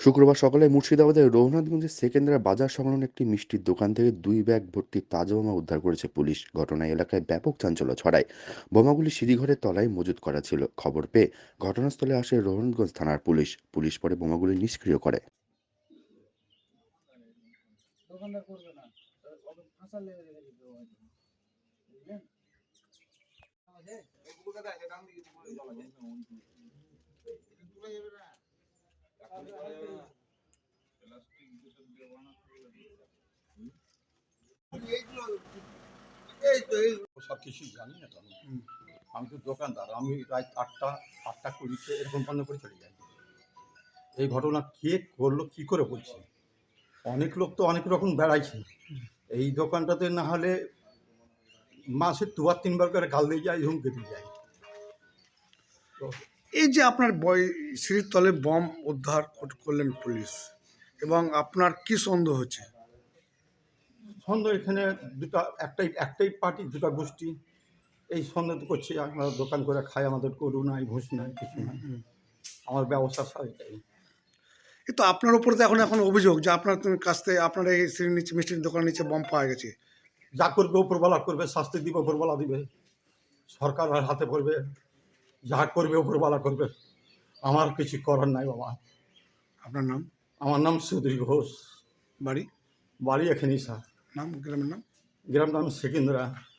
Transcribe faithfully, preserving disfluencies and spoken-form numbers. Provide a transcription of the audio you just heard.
শুক্রবার সকালে মুর্শিদাবাদের রঘুনাথগঞ্জের সেকেন্দ্রা বাজার সংলগ্ন একটি মিষ্টির দোকান থেকে দুই ব্যাগ ভর্তি তাজা বোমা উদ্ধার করেছে পুলিশ। ঘটনায় এলাকায় ব্যাপক চাঞ্চল্য ছড়ায়। বোমাগুলি সিঁড়িঘরের তলায় মজুত করা ছিল। খবর পেয়ে ঘটনাস্থলে আসে রঘুনাথগঞ্জ থানার পুলিশ। পুলিশ পরে বোমাগুলি নিষ্ক্রিয় করে। দোকানদার করবে না, ওকে ফাঁসার লেগে রেখে দিতে হবে হয়তো, বুঝলেন? আমাদের এই পুরোটা আছে, ডান দিকে পুরো জল আছে, পুরো যাবে না, প্লাস্টিক দুটো দিয়ে বানাতে হবে। এইগুলো এই তো এই সব কিছুই জানি না তো আমি। আমি তো দোকানদার, আমি রাত আটটা আটটা কুড়িতে এরকম বন্ধ করে চলে যাই। এই ঘটনা কে করলো কী করে বলছি, অনেক লোক তো অনেক রকম বেড়াইছে। এই দোকানটাতে না হলে মাসে দুবার তিনবার করে গাল দিয়ে যায়, হুমকে দিয়ে যায়। তো এই যে আপনার বই সিঁড়ির তলে বম উদ্ধার কর- করলেন পুলিশ, এবং আপনার কি সন্দেহ হচ্ছে? সন্দেহ এখানে দুটা একটাই একটাই পার্টি, দুটা গোষ্ঠী এই সন্দেহ তো করছে। আমরা দোকান করে খাই, আমাদের গরু নাই, ভুষ নাই, কিছু নাই, আমার ব্যবসা সব এটাই। কিন্তু আপনার উপরে তো এখন এখন অভিযোগ যে আপনার তুমি কাছ থেকে আপনার এই সিঁড়ির নিচে মিষ্টির দোকানের নিচে বম পাওয়া গেছে। যা করবে ওপরবেলা করবে, শাস্তি দিবে ওপরবেলা দিবে, সরকার হাতে পড়বে, যা করবে ওপরবেলা করবে, আমার কিছু করার নাই বাবা। আপনার নাম, আমার নাম সুধীর ঘোষ, বাড়ি, বাড়ি এখানেই স্যার, নাম, গ্রামের নাম? গ্রাম নাম সেকেন্দ্রা।